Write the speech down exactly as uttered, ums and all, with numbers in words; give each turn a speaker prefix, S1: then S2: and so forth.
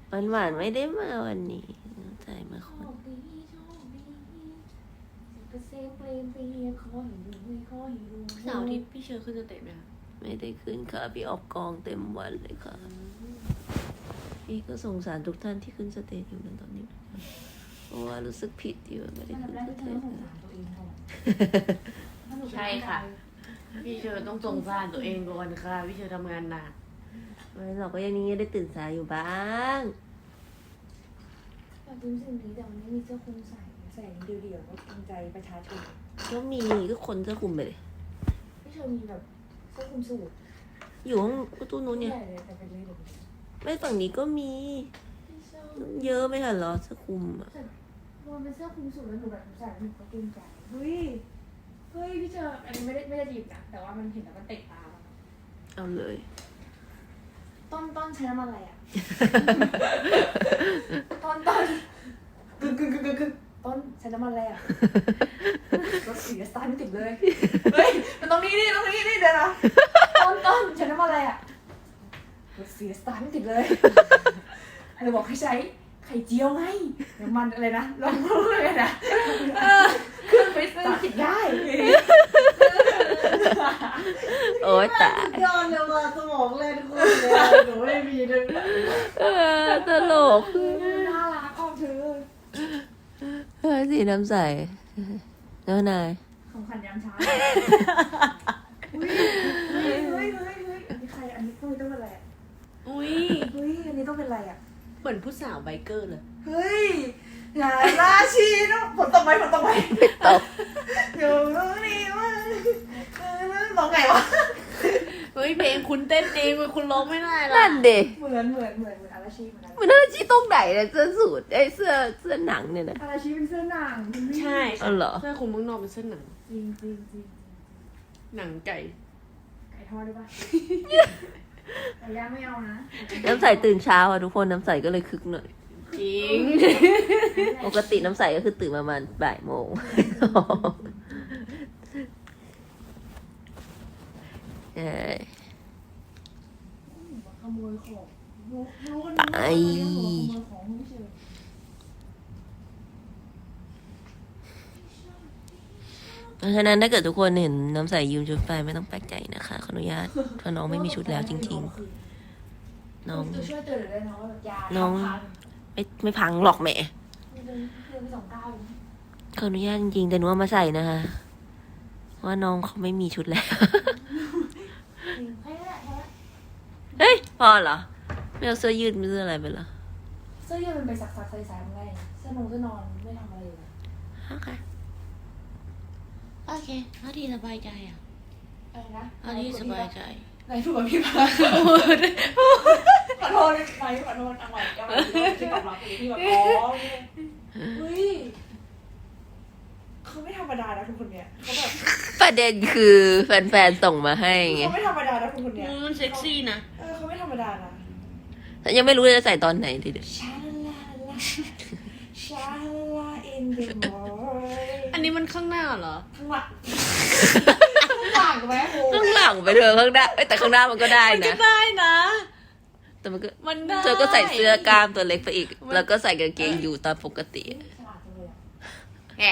S1: วันหวานไม่ได้มาวันนี้ใจมาคน
S2: เสาร์อาทิตย์พี่เชอร์ขึ้นสเตจไหมคะ
S1: ไม่ได้ขึ้นค่ะพี่ออกกองเต็มวันเลยค่ะพี่ก็สงสารทุกท่านที่ขึ้นสเตจอยู่ในตอนนี้เพราะว่ารู้สึกผิดอยู่ไม่ได้ขึ้นสเตจ
S2: ใช่ค่ะพี่เชอร์ต้องสงสารตัวเองก่อนค่ะพี่เชอร์ทำงานหนัก
S1: ไม่เราก็ยังนี้ได้ตื่นสายอยู่บ้าง
S3: อยากรู้สิ่งนี้แต่มันไม่มีเสื้อคลุมใส่ใส่เดี่ยวๆก็เกรงใจประชาชน
S1: ก็มีก็คนเสื้อคลุมไปเลย
S3: พี่เชอมีแบบเสื้อคลุมสูท
S1: อยู่ห้องประตูนู้นเนี่ยไม่ฝั่งนี้ก็มีเยอะไหมคะเหรอเสื้อคลุมอ่ะ
S3: มันเป็นเสื้อคลุมสูทแล้วหนูแบบใส่แล้วหนูก็เกรงใจเฮ้ยเฮ้ยพี่เชออันนี้ไม่ได้ไม่ได้หยิบนะแต่ว่ามันเห็นแล้วมันเตะตา
S1: เอาเลย
S3: ต้นต้นใช้น้ำมันอะไรอ่ะ ต้นต้นกึ่งกึ่งกึ่งกึ่งกึ่งต้นใช้น้ำมันอะไรอ่ะรถเสียสตาร์ทไม่ติดเลยเฮ้ยมันตรงนี้นี่ตรงนี้นี่เดี๋ยวนะต้นต้นใช้น้ำมันอะไรอ่ะรถเสียสตาร์ทไม่ติดเลยเลยบอกให้ใช้ไข่เจียวไงน้ำมันอะไรนะลองพูดเลยนะเครื่องไปสตาร์ทติดได้
S1: โอ้ยตาย
S4: ยอดเลยว่าสมองเล่นคุณเลยหนูไม่มีเลย
S1: เออตลก
S3: น่ารักออกเธอ
S1: เฮ้ยสีน้ำใสแล้วนาย
S3: ของขวัญยามเช้าอุ้ยเฮ้ยเฮ้ยเฮ้ยเฮ้ยอันนี้ใครอันนี้ต้องเป็นอะไรอ่ะ
S2: อุ้ย
S3: เฮ้ยอันนี้ต้องเป็นอะไรอ่ะ
S2: เหมือนผู้สาวไบเกอร์เลย
S3: เฮ้ยอย่าราชีนะฝนตกไหมฝนตกไหม
S1: ตก
S3: อยู่ตรงนี้วะร้องไงวะ
S2: เฮ้ยเพลงคุณเต้นเองคุณร้องไม่ได้หรอ
S1: นั่นเด็
S3: เหมือนเหมือนเหมือนเหมือนอาราชีเหมือน
S1: เหมือนอาราชีตรงไหนเนี่ยเสื้อสูทไอ้เสื้อเสื้อหนังเนี่ยนะ
S3: อาราชีเป็นเสื้อหนัง
S2: ใช่
S1: อ๋อเหรอ
S2: เสื้อคุณมึงนอกเป็นเสื้อหนัง
S3: จริงจริงจริง
S2: หนังไก่
S3: ไก่ทอดด้วยป่ะไก่ย่างไม่เอานะ
S1: น้ำใสตื่นเช้าอ่ะทุกคนน้ำใสก็เลยคึกหน่อย
S2: จริง
S1: ปกติน้ำใสก็คือตื่นประมาณบ่ายโมงเออ
S3: ขโมยของ
S1: ไปเพราะฉะนั้นถ้าเกิดทุกคนเห็นน้ำใสยืมชุดไปไม่ต้องแปลกใจนะคะขออนุญาตเพราะน้องไม่มีชุดแล้วจริงๆน้อง
S3: ช่วยเตือนเลยน้องแบบยา
S1: น้องไม่ไม่พังหรอกแม่ขออนุญาตจริงๆแต่หนูเอามาใส่นะคะว่าน้องเขาไม่มีชุดแล้วเฮ้ยพอเหรอไม่เอาเสื้อยืดไม่เสื้ออะไรไปเหรอ
S3: เสื้อยืดมันไปสักๆใส่ๆมันไงเสื้อนงเสื้อนอนไม่ทำอะไรเลย
S1: โอเคโอเคเอาที่สบายใจอ่ะ
S3: อะไรนะ
S1: เอาที่สบายใจ
S3: ไหนถูกกับพี่ปะขอโทษไหนขอโทษเอาใหม่เอาใหม่ที่ตอบรับที่แบบอ๋อเฮ้ยเขาไม่ธรรมดานะทุกคนเนี่ยเขาแบบ
S1: ประเด็นคือแฟนๆส่งมาให้ไง
S3: เขาไม่ธรรมดานะทุกคนเนี่ย
S2: มันเซ็กซี่นะ
S3: เออเขาไม่ธรรมดานะ
S1: แต่ยังไม่รู้จะใส่ตอนไหนทีเดียว
S3: ชาลาลาชาลาอินเดมอร์
S2: อันนี้มันข้างหน้าเหรอ
S3: ข้างหลังข้างหลังไหมโอ้
S1: ข้างหลังไปเถอะข้างหน้าแต่ข้างหน้ามันก็ได้นะ
S2: มันก็ได้นะ
S1: แต่มันก็
S2: มันได้
S1: เธอก็ใส่เสื้อกล้ามตัวเล็กไปอีกแล้วก็ใส่กางเกงอยู่ตามปกติ